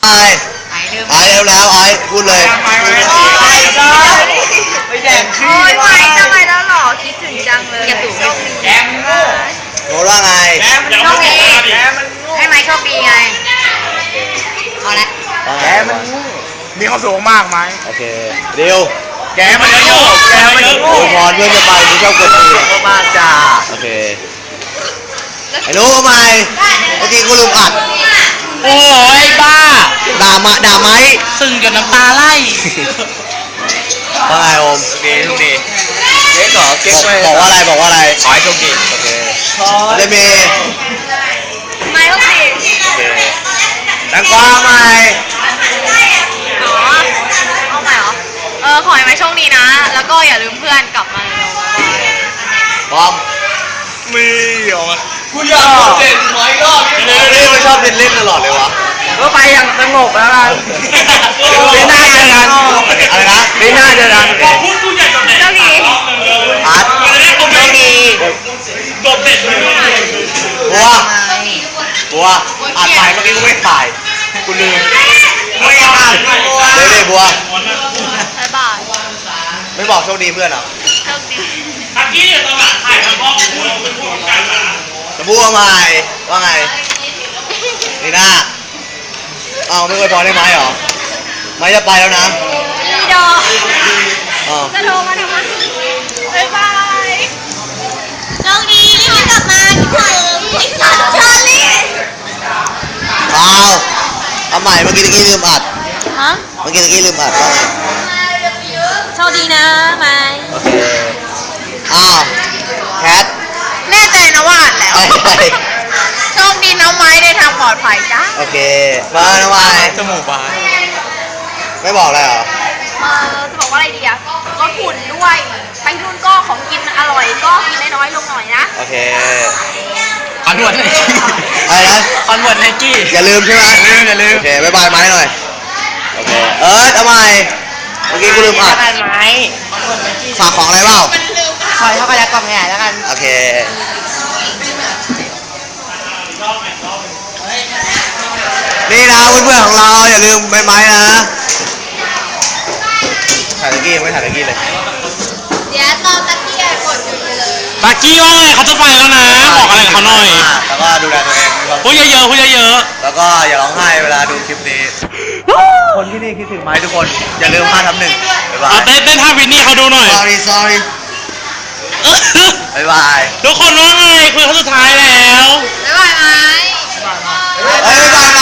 ไอ้ไอ้เร็วแล้วไอ้พูดเลยไม่แดงขี้โอ้ยไม่ทำไมแล้วหรอคิดถึงจังเลยโชคดีแกมโง่โน้ตว่าไงโชคดีแกมันโง่ให้ไม้โชคดีไงเอาละว่าไงแกมันโง่มีความสุขมากไหมโอเคเร็วแกมันโง่แกมันโง่โอ้ยพรเพื่อนจะไปมึงชอบกดตีมากจ้าโอเคไอ้รู้ทำไมเมื่อกี้กูลืมอัดโอ้ยบ้าด่าไหมซึ่งจนน้ำตาไหลว่าไงโอมโอเคโชคดีเก๊กเหรอเก๊กไปบอกว่าอะไรบอกว่าอะไรขอให้โชคดีโอเคเดเมไม้โชคดีโอเคแตงกวาไหมอ๋อเอาใหม่เหรอขอให้ไม้โชคดีนะ แล้วก็อย่าลืมเพื่อนกลับมาเร็วพร้อมมีออกมากูอยากเล่นหอยรอบนี่มันชอบเล่นตลอดเลยวะก็ไปอย่างสงบแล้วกันปีหน้าเจอกันอะไรนะปีหน้าเจอกันๆโชคดีอาร์ตโชคดีบัวอ่านไปเมื่อกี้กูไม่ถ่ายกูลืมไม่อ่านเดี๋ยวบัวบ๊ายบายไม่บอกโชคดีเพื่อนเหรอโชคดีเมื่อกี้ตอนหลังถ่ายทำพ่อพูดเป็นพูดกันนะจะบัวมาไงว่าไงนี่นะอ้าวไม่เคยพอได้ไหมเหรอไม่จะไปแล้วนะอีดอกอ๋อจะโทรมาทำไมบ๊ายบายโชคดีรีบกลับมาคิดถึงเชอรี่เอาใหม่เมื่อกี้ตะกี้ลืมอัดฮะเมื่อกี้ตะกี้ลืมอัดว่าไงโชคดีนะไม้โอเคอ้าวแคทแน่ใจนะว่าอ่านแล้วไอ้โชคดีนะไม้ในทางปลอดภัยจ้าโอเคมาทำไมจมูกบานไม่บอกเลยเหรอจะบอกว่าอะไรดีอะลดหุ่นด้วย ไปนู่นก็ของกินอร่อยก็กินน้อยๆลงหน่อยนะโอเคคอนเวิร์ตไนกี้อะไรนะคอนเวิร์ตไนกี้อย่าลืมใช่ไหมอย่าลืมโอเคบ๊ายบายไม้หน่อยโอเคทำไมเมื่อกี้กูลืมอัดกันไหมฝากของอะไรเปล่าคอยเข้ากันแล้วกล่องใหญ่แล้วกันโอเคนี่นะเพื่อนๆของเราอย่าลืมใบไม้นะถ่ายตะกี้ยังไม่ถ่ายตะกี้เลยเดี๋ยวตอนตะเกียบกดอยู่เลยตากี้ว่าไงเขาจะไปแล้วนะ บอกอะไรกับเขาหน่อยแล้วก็ดูแลตัวเองมีความพูดเยอะๆพูดเยอะแล้วก็อย่าร้องไห้เวลาดูคลิปนี้ คนที่นี่คิดถึงไหมทุกคน อย่าลืม5 ทับ 1บ๊ายๆบาเอายเต้นท่าวินนี่เขาดูหน่อย sorry บ๊ายบายทุกคนว่าไงคุยเขาสุดท้ายแล้วบ๊ายบายไหมเฮ้ยบ๊ายบาย